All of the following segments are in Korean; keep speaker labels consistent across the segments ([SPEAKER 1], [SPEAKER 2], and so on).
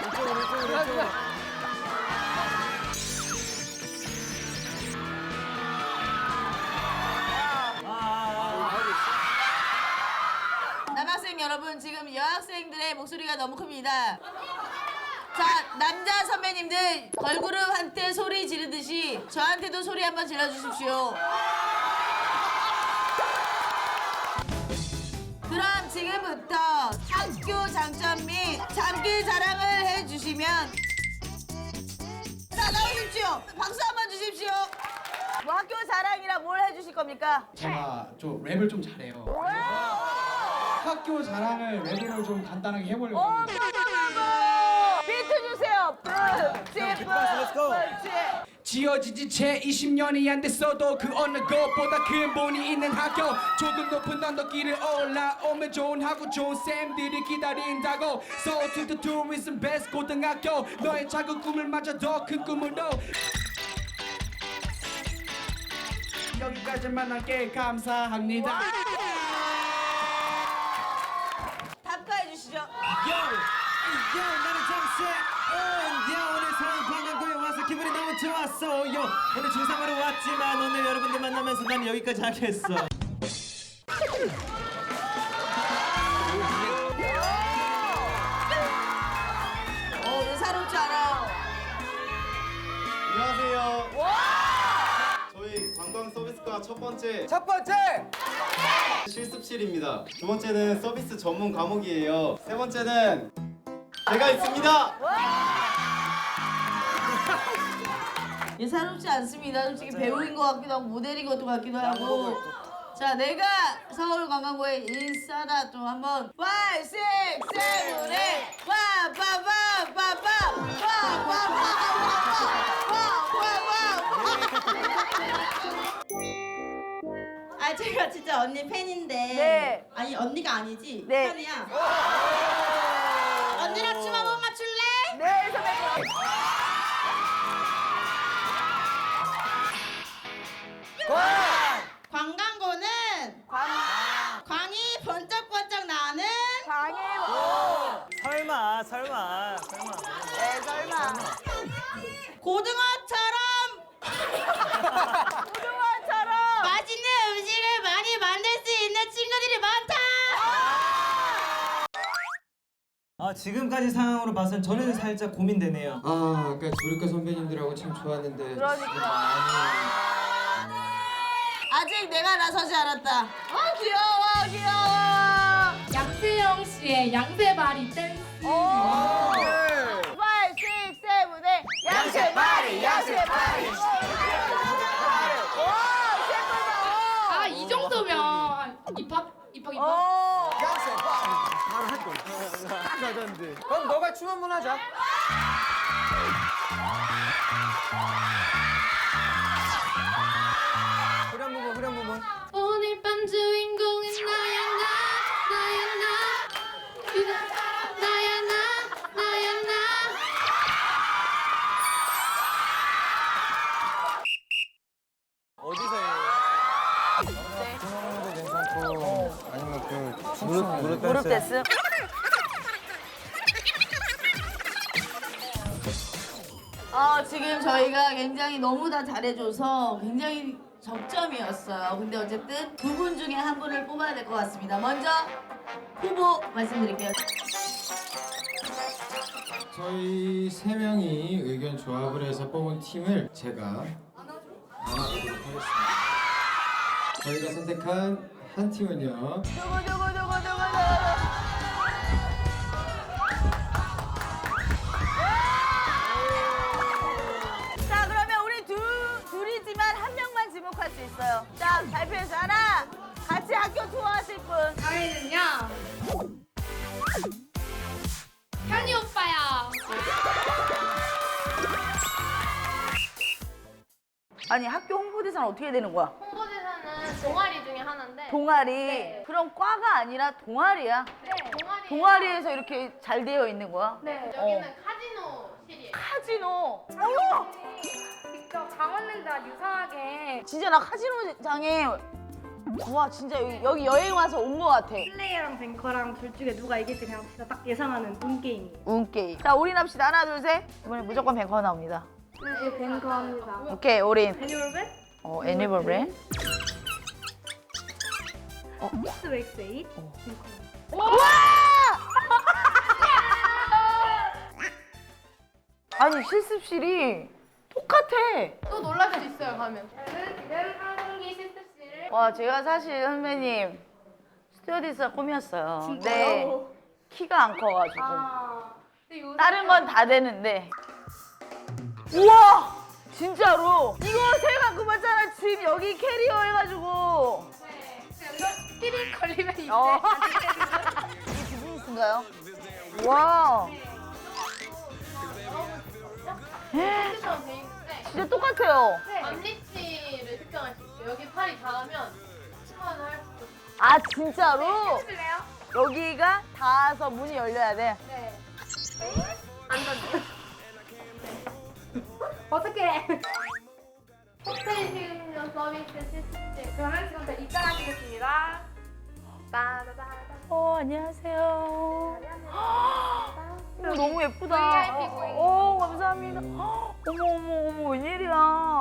[SPEAKER 1] 남학생 여러분, 지금 여학생들의 목소리가 너무 큽니다. 자, 남자 선배님들 걸그룹한테 소리 지르듯이 저한테도 소리 한번 질러주십시오. 그럼 지금부터 학교 장점 및 장기 자랑을 해주시면, 자, 나오십시오. 박수 한번 주십시오. 뭐 학교 자랑이라 뭘 해주실 겁니까?
[SPEAKER 2] 제가 좀 랩을 좀 잘해요. 학교 자랑을 랩으로 좀 간단하게 해보려고 합니다.
[SPEAKER 1] 비트 주세요.
[SPEAKER 2] 지어진 지 채 20년이 안 됐어도 그 어느 것보다 근본이 있는 학교. 조금 높은 언덕길을 올라오면 좋은 하고 좋은 쌤들이 기다린다고. So to the tourism best 고등학교. 너의 작은 꿈을 마저 더 큰 꿈으로. 여기까지만 할게. 감사합니다.
[SPEAKER 1] 답가해 주시죠.
[SPEAKER 3] 나는 정세. 오늘 서울 관광구에 와서 기분이 너무 좋았어. 오늘 중3으로 왔지만 오늘 여러분들 만나면서 난 여기까지 하겠어.
[SPEAKER 1] 예사롭지 않아요.
[SPEAKER 4] 안녕하세요. 저희 관광 서비스과 첫 번째 실습실입니다. 두 번째는 서비스 전문 과목이에요. 세 번째는 제가 있습니다.
[SPEAKER 1] 예사롭지 않습니다. 솔직히 배우인 것 같기도 하고 모델인 것 같기도 하고. 자, 내가 서울관광부의 인싸다. 좀 한번 5, 6, 7, 8
[SPEAKER 5] 아 제가 진짜 언니 팬인데.
[SPEAKER 1] 네.
[SPEAKER 5] 아니 언니가 아니지.
[SPEAKER 1] 네.
[SPEAKER 5] 팬이야. 언니랑 춤 한번 맞출래?
[SPEAKER 1] 네, 선배님.
[SPEAKER 5] 관광고는 광이 번쩍번쩍 나는
[SPEAKER 3] 설마.
[SPEAKER 1] 네, 설마.
[SPEAKER 5] 고등어처럼 맛있는 음식을 많이 만들 수 있는 친구들이 많다.
[SPEAKER 3] 지금까지 상황으로 봐선 저는 살짝 고민되네요.
[SPEAKER 6] 아까 조리과 선배님들하고 참 좋았는데.
[SPEAKER 1] 그러니까. 아직 내가 나서지 않았다. 귀여워.
[SPEAKER 7] 양세형 씨의 양세바리 댄스.
[SPEAKER 1] 5, 6, 7, 8 양세바리.
[SPEAKER 7] 아, 이 정도면 입학.
[SPEAKER 6] 그럼 너가 춤 한번 하자. 후렴 부분.
[SPEAKER 7] 오늘 밤 주인공은 나야 나.
[SPEAKER 6] 어디서 해? 피아노도 괜찮고 아니면 무릎
[SPEAKER 1] 댄스. 지금 저희가 굉장히 너무 다 잘해줘서 굉장히 적점이었어요. 근데 어쨌든 두 분 중에 한 분을 뽑아야 될 것 같습니다. 먼저 후보 말씀드릴게요.
[SPEAKER 6] 저희 세 명이 의견 조합을 해서 뽑은 팀을 제가 나눠보도록 하겠습니다. 저희가 선택한 한 팀은요.
[SPEAKER 1] 누구. 자, 그러면 우리 둘이지만 한 명만 지목할 수 있어요. 자, 발표해서 하나. 같이 학교 투어하실 분.
[SPEAKER 7] 저희는요. 현이 오빠야.
[SPEAKER 1] 아니, 학교 홍보대사는 어떻게 되는 거야?
[SPEAKER 7] 홍보대사는 동아리 중에 하나인데.
[SPEAKER 1] 동아리.
[SPEAKER 7] 네.
[SPEAKER 1] 그럼 과가 아니라 동아리야.
[SPEAKER 7] 네, 동아리.
[SPEAKER 1] 동아리에서 이렇게 잘 되어 있는 거야?
[SPEAKER 7] 네, 여기는 카지노실이에요.
[SPEAKER 1] 카지노.
[SPEAKER 7] 직접 장원랜드와 유사하게
[SPEAKER 1] 진짜 나 카지노장에 와 진짜 여기 여행 와서 온 것 같아.
[SPEAKER 8] 플레이어랑 뱅커랑 둘 중에 누가 이길지 그냥 진짜 딱 예상하는 운 게임이에요.
[SPEAKER 1] 운게임. 자 올인 합시다. 하나 둘 셋. 이번에 무조건 뱅커 나옵니다.
[SPEAKER 8] 네, 뱅커 합니다.
[SPEAKER 1] 오케이 올인.
[SPEAKER 8] 애니멀백?
[SPEAKER 1] 애니멀 브랜.
[SPEAKER 8] 스웩스 8.
[SPEAKER 1] 아니 실습실이 똑같아.
[SPEAKER 7] 또 놀랄 수 있어요 가면. 저는 지금 항공기 실습실을
[SPEAKER 1] 와 제가 사실 선배님 스튜어디스가 꿈이었어요. 근데 키가 안 커가지고
[SPEAKER 7] 근데 요새
[SPEAKER 1] 다른 건 다 되는데. 우와 진짜로 이거 생각그 봤잖아. 짐 여기 캐리어 해가지고.
[SPEAKER 7] 피리 걸리면 이제
[SPEAKER 1] 이게 비즈니스인가요? 와
[SPEAKER 7] 핸드폰 돼 있는데
[SPEAKER 1] 진짜 똑같아요.
[SPEAKER 7] 앞리치를 특정할 수 있어요. 여기 팔이 닿으면 시간을 할 수 있어요.
[SPEAKER 1] 아 진짜로?
[SPEAKER 7] 해줄래요?
[SPEAKER 1] 여기가 닿아서 문이 열려야 돼.
[SPEAKER 7] 네. 어떻게? 호텔 식음료 서비스 실습실. 그러면 지금부터 입장하시겠습니다. 따다다다.
[SPEAKER 1] 안녕하세요. 어머, 너무 예쁘다.
[SPEAKER 7] VIP 고객님.
[SPEAKER 1] 감사합니다. 어머 웬일이야.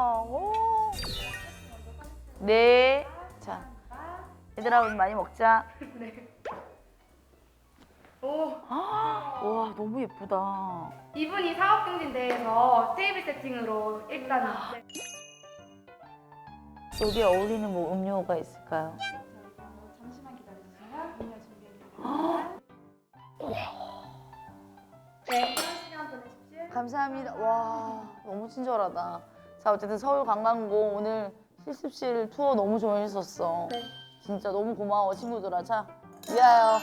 [SPEAKER 1] 네. 자 얘들아 우리 많이 먹자. 와 너무 예쁘다.
[SPEAKER 8] 이분이 사업증진대회에서 테이블 세팅으로 일단
[SPEAKER 1] 여기에 어울리는 뭐 음료가 있을까요?
[SPEAKER 8] 잠시만 기다려주세요. 음료 준비해드릴게요. 네, 편한 시간 보내십시오.
[SPEAKER 1] 감사합니다. 와 너무 친절하다. 자 어쨌든 서울관광고 오늘 실습실 투어 너무 좋아했었어.
[SPEAKER 8] 네.
[SPEAKER 1] 진짜 너무 고마워 친구들아. 자 위하여.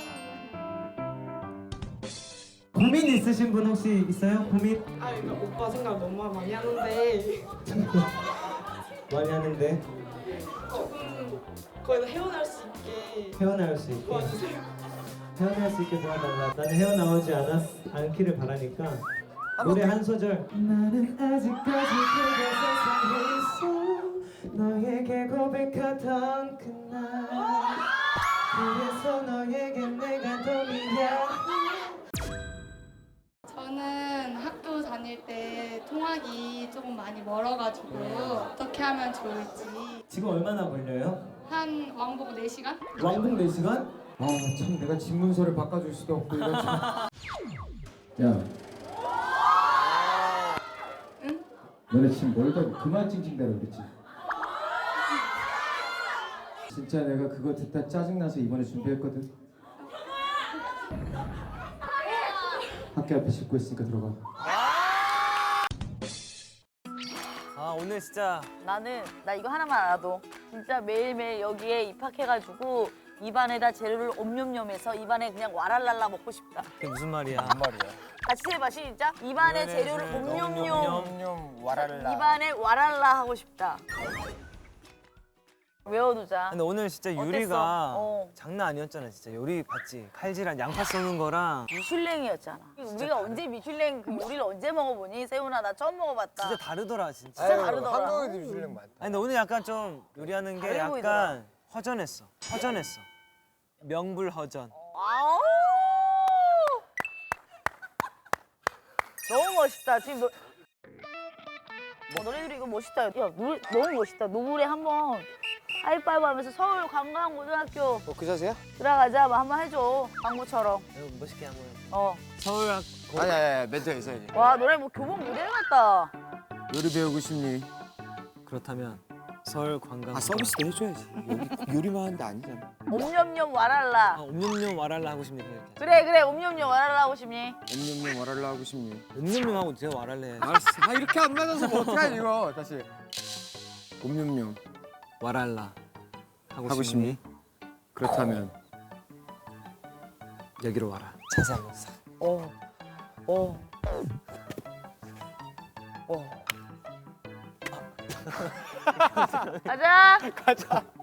[SPEAKER 3] 고민 있으신 분 혹시 있어요? 고민?
[SPEAKER 9] 아, 그러니까 오빠 생각 너무 많이 하는데
[SPEAKER 3] 많이 하는데
[SPEAKER 9] 조금 거기서 헤어날 수 있게
[SPEAKER 3] 헤어나올 수 있게
[SPEAKER 9] 도와주세요.
[SPEAKER 3] 헤어날 수 있게 도와달라. 나는 헤어나오지 않기를 바라니까 노래 한 소절. 나는 아직까지 그대 세상에 있어 너에게 고백하던 그날 그래서 너에게 내가 더 미안해.
[SPEAKER 10] 저는 학교 다닐 때 통학이 조금 많이 멀어가지고 어떻게 하면 좋을지
[SPEAKER 3] 지금 얼마나 걸려요?
[SPEAKER 10] 한 왕복 4시간?
[SPEAKER 3] 왕복 4시간?
[SPEAKER 6] 아 참 내가 집 문서를 바꿔줄 수도 없고 이런 참. 야.
[SPEAKER 10] 응?
[SPEAKER 6] 너네 지금 멀다고 그만 찡찡대라 그랬지. 진짜 내가 그거 듣다 짜증나서 이번에 준비했거든. 학교 앞에 싣고 있으니까 들어가.
[SPEAKER 3] 아 오늘 진짜
[SPEAKER 1] 나 이거 하나만 알아도 진짜 매일매일 여기에 입학해가지고 입안에다 재료를 옴뇸뇸해서 입안에 그냥 와랄랄라 먹고 싶다.
[SPEAKER 3] 그게 무슨 말이야?
[SPEAKER 1] 같이 해봐 시작. 입안에 재료를 옴뇸뇸
[SPEAKER 3] 옴뇸뇸 와랄라.
[SPEAKER 1] 입안에 와랄라 하고 싶다. 외워두자.
[SPEAKER 3] 근데 오늘 진짜
[SPEAKER 1] 어땠어?
[SPEAKER 3] 요리가
[SPEAKER 1] 어.
[SPEAKER 3] 장난 아니었잖아 진짜. 요리 봤지? 칼질한 양파 써는 거랑
[SPEAKER 1] 미슐랭이었잖아. 우리가 언제 미슐랭 그 요리를 언제 먹어보니? 세훈아 나 처음 먹어봤다.
[SPEAKER 3] 진짜 다르더라 진짜.
[SPEAKER 1] 진짜 다르더라.
[SPEAKER 6] 한국에도 미슐랭 많다.
[SPEAKER 3] 아니 근데 오늘 약간 좀 요리하는 게
[SPEAKER 1] 다르게
[SPEAKER 3] 약간
[SPEAKER 1] 보이더라.
[SPEAKER 3] 허전했어. 명불허전.
[SPEAKER 1] 아우! 너무 멋있다. 지금 너네들이 이거 멋있다. 야, 노래 너무 멋있다. 노래 한번 하이파이브 하면서 서울관광고등학교
[SPEAKER 11] 그 자세야?
[SPEAKER 1] 들어가자. 뭐 한번 해줘. 광고처럼.
[SPEAKER 3] 이거 멋있게 한번.
[SPEAKER 1] 어.
[SPEAKER 3] 서울
[SPEAKER 11] 아니 멘트가 있어야지.
[SPEAKER 1] 와 노래 뭐 교복 모델 같다.
[SPEAKER 11] 요리 배우고 싶니?
[SPEAKER 3] 그렇다면 서울 관광.
[SPEAKER 11] 아 서비스도 해줘야지. 여기 요리만 하는데 아니잖아.
[SPEAKER 1] 옴뇸뇸 와랄라.
[SPEAKER 3] 옴뇸뇸 와랄라 하고 싶네 이렇게.
[SPEAKER 1] 그래 옴뇸뇸 와랄라 하고 싶니?
[SPEAKER 11] 옴뇸뇸 와랄라 하고 싶니?
[SPEAKER 3] 옴뇸뇸 하고 제가 와랄라 해.
[SPEAKER 11] 알았어. 아 이렇게 안 맞아서 뭐 어떡하지 이거 다시. 옴뇸뇸
[SPEAKER 3] 와랄라
[SPEAKER 11] 하고 싶니? 그렇다면
[SPEAKER 3] 여기로 와라. 자세 한번 싹.
[SPEAKER 1] 가자.
[SPEAKER 11] 가자.